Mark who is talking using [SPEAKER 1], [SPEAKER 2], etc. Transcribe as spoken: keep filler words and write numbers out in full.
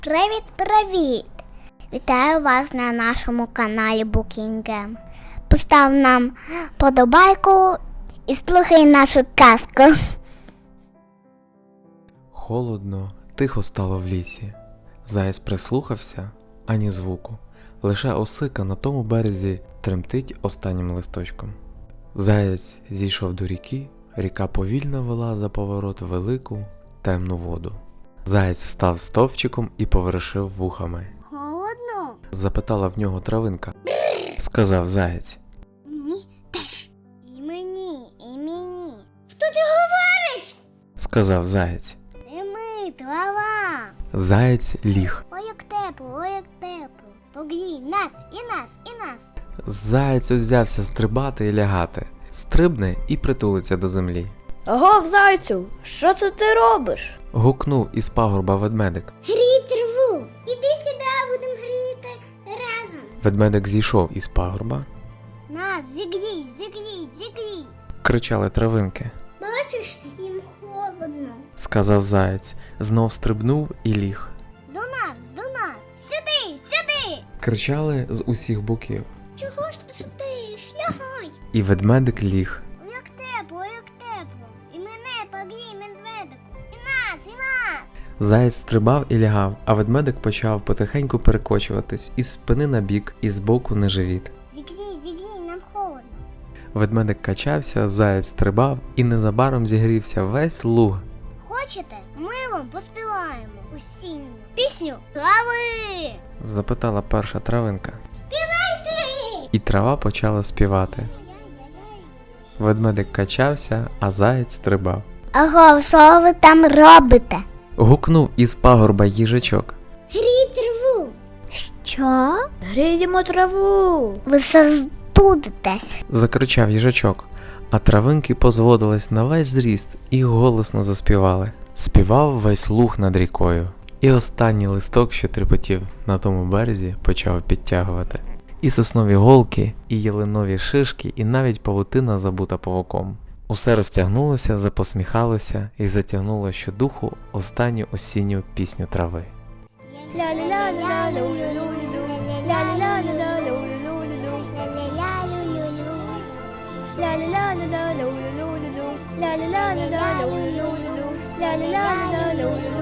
[SPEAKER 1] Привіт-привіт! Вітаю вас на нашому каналі Букінгем. Постав нам подобайку і слухай нашу казку.
[SPEAKER 2] Холодно, тихо стало в лісі. Заєць прислухався, ані звуку. Лише осика на тому березі тремтить останнім листочком. Заєць зійшов до ріки, ріка повільно вела за поворот велику, темну воду. Заєць став стовпчиком і повершив вухами.
[SPEAKER 1] Холодно?
[SPEAKER 2] Запитала в нього травинка. Сказав заєць.
[SPEAKER 1] Мені теж. І мені, і мені. Хто це говорить?
[SPEAKER 2] Сказав заєць.
[SPEAKER 1] Це ми, трава.
[SPEAKER 2] Заєць ліг.
[SPEAKER 1] Ой, як тепло, ой, як тепло. Погрій нас, і нас, і нас.
[SPEAKER 2] Заєць узявся стрибати і лягати. Стрибне і притулиться до землі.
[SPEAKER 3] Агов, зайцю, що це ти робиш?
[SPEAKER 2] Гукнув із пагорба ведмедик.
[SPEAKER 1] Грій траву. Іди сюди, будемо гріти разом.
[SPEAKER 2] Ведмедик зійшов із пагорба.
[SPEAKER 1] Нас, зігрій, зігрій, зігрій.
[SPEAKER 2] Кричали травинки.
[SPEAKER 1] Бачиш, їм холодно.
[SPEAKER 2] Сказав заєць. Знов стрибнув і ліг.
[SPEAKER 1] До нас, до нас. Сюди, сюди.
[SPEAKER 2] Кричали з усіх боків.
[SPEAKER 1] Чого ж ти сидиш? Лягай.
[SPEAKER 2] І ведмедик ліг.
[SPEAKER 1] Ой, як тепло, ой, як тепло. І мене погрій, медведику. І нас, і нас.
[SPEAKER 2] Заєць стрибав і лягав, а ведмедик почав потихеньку перекочуватись із спини на бік і з боку на живіт.
[SPEAKER 1] Зігрій, зігрій, нам холодно.
[SPEAKER 2] Ведмедик качався, заєць стрибав і незабаром зігрівся весь луг.
[SPEAKER 1] Хочете? Ми вам поспіваємо осінню пісню трави.
[SPEAKER 2] Запитала перша травинка.
[SPEAKER 1] Співайте!
[SPEAKER 2] І трава почала співати. Ведмедик качався, а заєць стрибав.
[SPEAKER 1] Аго, що ви там робите?
[SPEAKER 2] Гукнув із пагорба їжачок.
[SPEAKER 1] Грій траву. Що?
[SPEAKER 3] Гріємо траву.
[SPEAKER 1] Ви застудитесь.
[SPEAKER 2] Закричав їжачок, а травинки позводились на весь зріст і голосно заспівали. Співав весь луг над рікою. І останній листок, що трепотів на тому березі, почав підтягувати. І соснові голки, і ялинові шишки, і навіть павутина, забута павуком. Усе розтягнулося, запосміхалося і затягнуло щодуху останню осінню пісню трави.
[SPEAKER 3] Ля-ля-ля-ля-ля-лю-лю-лю-лю. Ля-ля-ля-ля-ля-лю-лю-лю-лю. Ля-ля-ля-ля-ля-лю-лю-лю-лю. Ля-ля-ля-ля-ля-лю-лю-лю. Ля-ля-ля-ля-ля-лю-лю-лю.